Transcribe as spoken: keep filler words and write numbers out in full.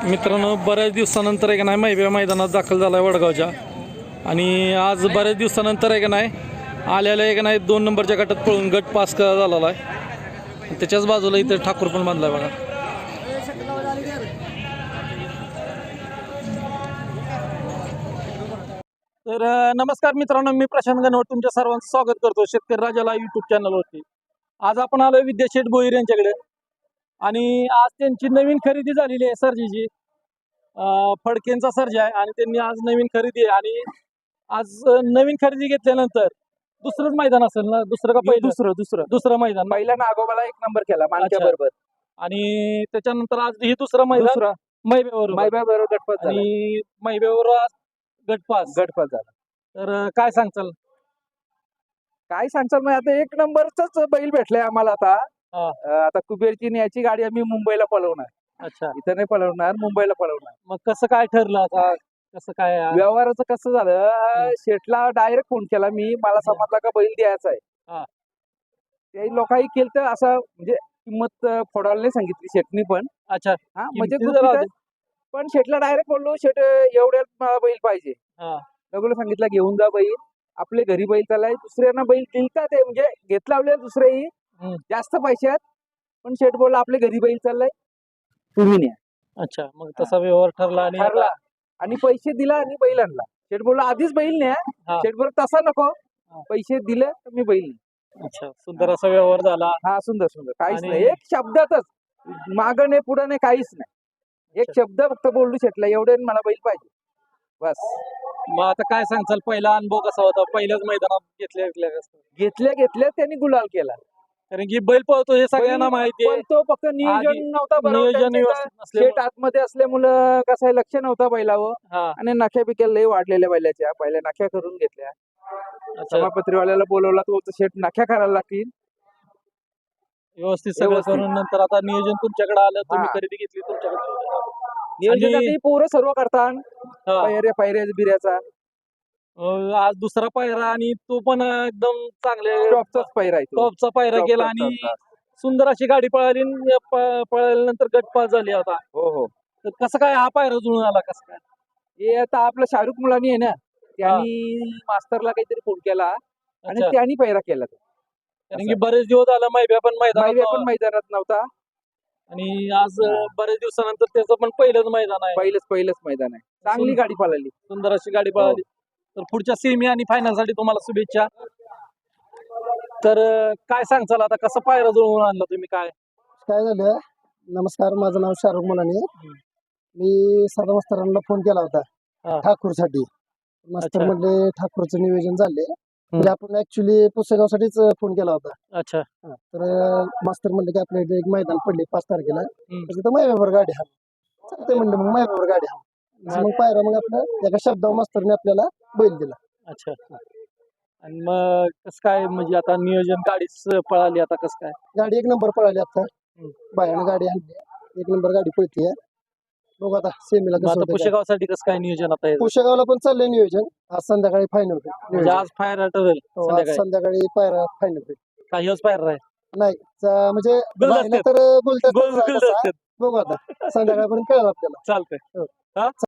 मित्रांनो, बऱ्याच दिवसानंतर आहे का नाही मैबे मैदानात दाखल झाला आहे वडगावच्या. आणि आज बऱ्याच दिवसानंतर आहे का नाही आलेला आहे का नाही दोन नंबरच्या गटात पळून गट पास झालेला आहे. त्याच्याच बाजूला इथे ठाकूर पण बांधला आहे बघा. तर नमस्कार मित्रांनो, मी प्रशांत गणवट तुमच्या सर्वांचं स्वागत करतो शेतकरी राजाला यूट्यूब चॅनलवरती. आज आपण आलो विद्याशेठ भोईर यांच्याकडे आणि आज त्यांची नवीन खरेदी झालेली आहे सर्जीची. फडकेंचा सर्ज आहे आणि त्यांनी आज नवीन खरेदी आहे. आणि आज नवीन खरेदी घेतल्यानंतर दुसरंच मैदान असेल ना? दुसरं का पहिलं? दुसरं दुसरं दुसरं मैदान. पहिल्या नागोबाला एक नंबर केला मानक्या बरोबर आणि त्याच्यानंतर आज ही दुसरं मैदान मैब्यावर मैब्या बरोबर गटपास झाला. आणि मैब्यावर गटपास गटपास झाला. तर काय सांगचाल? काय सांगचाल मग आता एक नंबरच बैल भेटलाय आम्हाला आता. हा. अं, आता कुबेरची न्यायची गाडी आम्ही मुंबईला पळवणार. अच्छा, इथं नाही पळवणार, मुंबईला पळवणार. मग कसं काय ठरलं आता? कसं काय आहे? व्यवहाराचं कसं झालं, शेठला डायरेक्ट फोन केला मी, मला समजला का बैल द्यायचा हा. आहे. ते लोकांनी केलं तर असं म्हणजे किंमत फोडायला नाही सांगितली शेठनी पण. अच्छा, हा म्हणजे किमती जरा गुपित- पण शेठला डायरेक्ट बोललो, शेठ एवढ्यात मला बैल पाहिजे. हा. लगोला सांगितलं घेऊन जा बैल, आपले घरी बैल चालाय. दुसऱ्यांना बैल दिलता ते म्हणजे घेत लावले दुसरेही हम्म. जास्त पैशात, पण शेठ बोलला आपले घरी बैल चाललाय, तुम्ही न्या. अच्छा, मग तसा व्यवहार ठरला आणि ठरला आणि पैसे दिला आणि बैल आणला. शेठ बोलला आधीच बैल न्या. हा. शेठ बोलला तसा नको, पैसे दिले तर मी बैल न्या. अच्छा, सुंदर असा व्यवहार झाला. हा सुंदर सुंदर काहीच आणि- नाही, एक शब्दातच मागं नाही पुढं नाही काहीच नाही. एक शब्द फक्त बोललो शेठला, एवढे मला बैल पाहिजे बस. मग आता काय सांगचाल, पहिला अनुभव कसा होता? पहिल्याच मैदानात घेतल्या घेतल्या कसं? घेतल्या घेतल्या त्यांनी गुलाल केला. कारण की बैल पळतो हे सगळ्यांना माहिती आहे. पण तो फक्त नियोजन आधी नव्हता बरोबर. नियोजन त्यांचं व्यवस्थित शेट नसल्यामुळे. आतमध्ये असल्यामुळं कसं आहे, लक्ष नव्हता बैलावर. हा. आणि नख्या पिक्या लय वाढलेल्या बैलाच्या, पहिल्या नख्या करून घेतल्या. अच्छा, सभापत्रीवाल्याला बोलवला, तो शेट नख्या करायला लागतील. व्यवस्थित सगळं व्यवस्थित. करून नंतर आता नियोजन तुमच्याकडे आलं, तुम्ही हा. खरेदी घेतली तुमच्याकडे. नियोजन आणि- आता पोरं सर्व करतात, हा. पायऱ्या पायऱ्या बिऱ्याचा अं, आज दुसरा पायरा आणि तो पण एकदम चांगले टॉपचाच पायरा आहे तो. टॉपचा पायरा टॉप, केला टॉप, आणि टॉप, टॉप. सुंदर अशी गाडी पळाली आणि प- पळाल्यानंतर गट पास झाली. आता हो हो. तर कसं काय हा पायरा जुळून आला? कसं काय? हे आता आपलं शाहरुख मुलानी आहे ना, त्यांनी मास्तरला काहीतरी फोन केला आणि अच्छा. त्यांनी पायरा केला तो. कारण की बरेच दिवस झाला मैब्या पण माहिती मैदान पण मैदानात नव्हता. आणि आज बरेच दिवसानंतर त्याचं पण पहिलंच मैदान आहे. पहिलंच पहिलंच मैदान आहे. चांगली सुंदर. गाडी पळाली. सुंदर अशी गाडी पळाली. तर पुढच्या सेमी आणि फायनल साठी तुम्हाला शुभेच्छा. तर अं, काय सांगचाल आता, कसं पायरा जुळवून आणला तुम्ही? काय काय झालं, नमस्कार, माझं नाव शाहरुख मुलानी. हम्म. मी साधा मास्तरांना फोन केला हा. होता ठाकूरसाठी. मास्तर अच्छा. म्हणले ठाकूरचं नियोजन झाले, म्हणजे आपण ऍक्च्युली पुसेगावसाठीच फोन केला होता. अच्छा. हा, तर अं, मास्तर म्हणले की आपल्या इथे एक मैदान पडले पाच तारखेला, हम्म. तर तिथं मायबावर गाडी हा चालते म्हणले, मग मायबावर गाडी हा मग पायरा, मग आपलं एका शब्दावर मास्तरने आपल्याला बैल दिला. अच्छा. आणि मग कसं काय, म्हणजे आता नियोजन गाडीच पळाली, आता कसं काय? गाडी एक नंबर पळाली आता, हम्म. बायानं गाडी आणली, एक नंबर गाडी पळतीये. बघू आता सेमीला मग कसं आता होतं काय. पुशेगावसाठी कसं काय नियोजन आता याचं? पुशेगावला पण चाललंय नियोजन, आज संध्याकाळी फायनल म्हणजे आज फायर ठरेल हो, आज संध्याकाळी? संध्याकाळी पायरा फायनल होईल. काही दिवस फायर आहे. नाही चा- म्हणजे गुलदस्ते. राहिलं तर बोलतात गोल- गुलदस्ते. बघू आता संध्याकाळपर्यंत कळेल आपल्याला. चालतंय. हो. हा?